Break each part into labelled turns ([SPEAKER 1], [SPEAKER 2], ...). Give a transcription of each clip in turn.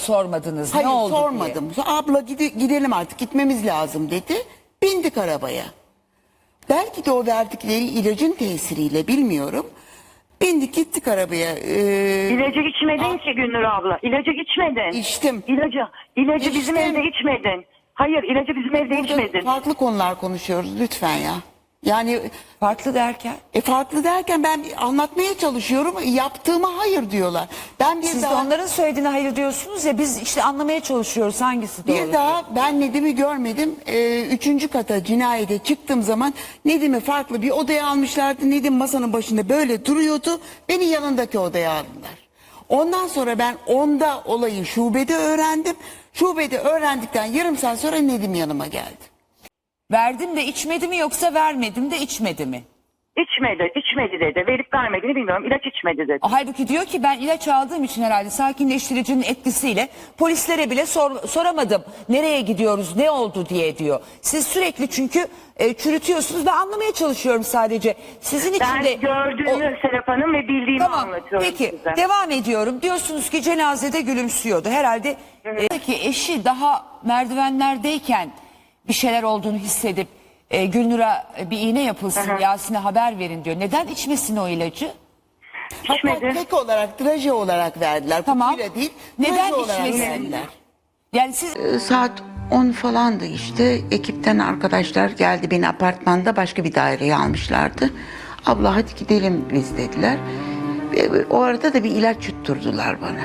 [SPEAKER 1] Sormadınız.
[SPEAKER 2] Hayır
[SPEAKER 1] Ne oldu
[SPEAKER 2] sormadım. Abla gidelim artık, gitmemiz lazım dedi. Bindik arabaya. Belki de o verdikleri ilacın tesiriyle, bilmiyorum. Bindik gittik arabaya.
[SPEAKER 3] İlacı içmedin ki Gülnur abla. İlacı içmedin.
[SPEAKER 2] İçtim.
[SPEAKER 3] İlacı bizim
[SPEAKER 2] İçtim.
[SPEAKER 3] evde içmedin. Hayır, ilacı bizim evde
[SPEAKER 2] Burada
[SPEAKER 3] içmedin.
[SPEAKER 2] farklı konular konuşuyoruz lütfen ya. Yani
[SPEAKER 1] Farklı derken?
[SPEAKER 2] farklı derken ben anlatmaya çalışıyorum. Yaptığıma hayır diyorlar. Ben bir
[SPEAKER 1] Siz de
[SPEAKER 2] daha
[SPEAKER 1] onların söylediğine hayır diyorsunuz ya, biz işte anlamaya çalışıyoruz hangisi doğru.
[SPEAKER 2] bir daha ben Nedim'i görmedim. 3. kata cinayete çıktığım zaman Nedim'i farklı bir odaya almışlardı. Nedim masanın başında böyle duruyordu. Beni yanındaki odaya aldılar. Ondan sonra ben onda olayı şubede öğrendim. Şubede öğrendikten yarım saat sonra Nedim yanıma geldi.
[SPEAKER 1] Verdim de içmedi mi yoksa vermedim de içmedi mi?
[SPEAKER 3] İçmedi dedi. Verip vermediğini bilmiyorum. İlaç içmedi dedi.
[SPEAKER 1] Halbuki diyor ki ben ilaç aldığım için herhalde sakinleştiricinin etkisiyle polislere bile soramadım. Nereye gidiyoruz, ne oldu diye diyor. Siz sürekli çünkü çürütüyorsunuz. Ben anlamaya çalışıyorum sadece. Sizin için
[SPEAKER 3] Ben
[SPEAKER 1] de...
[SPEAKER 3] gördüğümü Serap Hanım ve bildiğimi
[SPEAKER 1] Tamam,
[SPEAKER 3] anlatıyorum
[SPEAKER 1] peki
[SPEAKER 3] size.
[SPEAKER 1] devam ediyorum. Diyorsunuz ki cenazede gülümsüyordu. Herhalde ki eşi daha merdivenlerdeyken bir şeyler olduğunu hissedip Gülnur'a bir iğne yapılsın, Yasin'e haber verin diyor. Neden içmesin o ilacı?
[SPEAKER 2] Hatta
[SPEAKER 3] İçmedi.
[SPEAKER 2] tek olarak, traje olarak verdiler.
[SPEAKER 1] Tamam.
[SPEAKER 2] Kutuyla değil,
[SPEAKER 1] Neden
[SPEAKER 2] traje olarak
[SPEAKER 1] içmesin?
[SPEAKER 2] verdiler.
[SPEAKER 1] Yani siz
[SPEAKER 2] Saat 10 falandı işte. Ekipten arkadaşlar geldi. Beni apartmanda başka bir daireye almışlardı. Abla hadi gidelim biz dediler. O arada da bir ilaç yutturdular bana.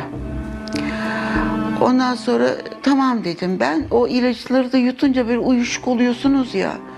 [SPEAKER 2] Ondan sonra tamam dedim ben. O ilaçları da yutunca böyle uyuşuk oluyorsunuz ya.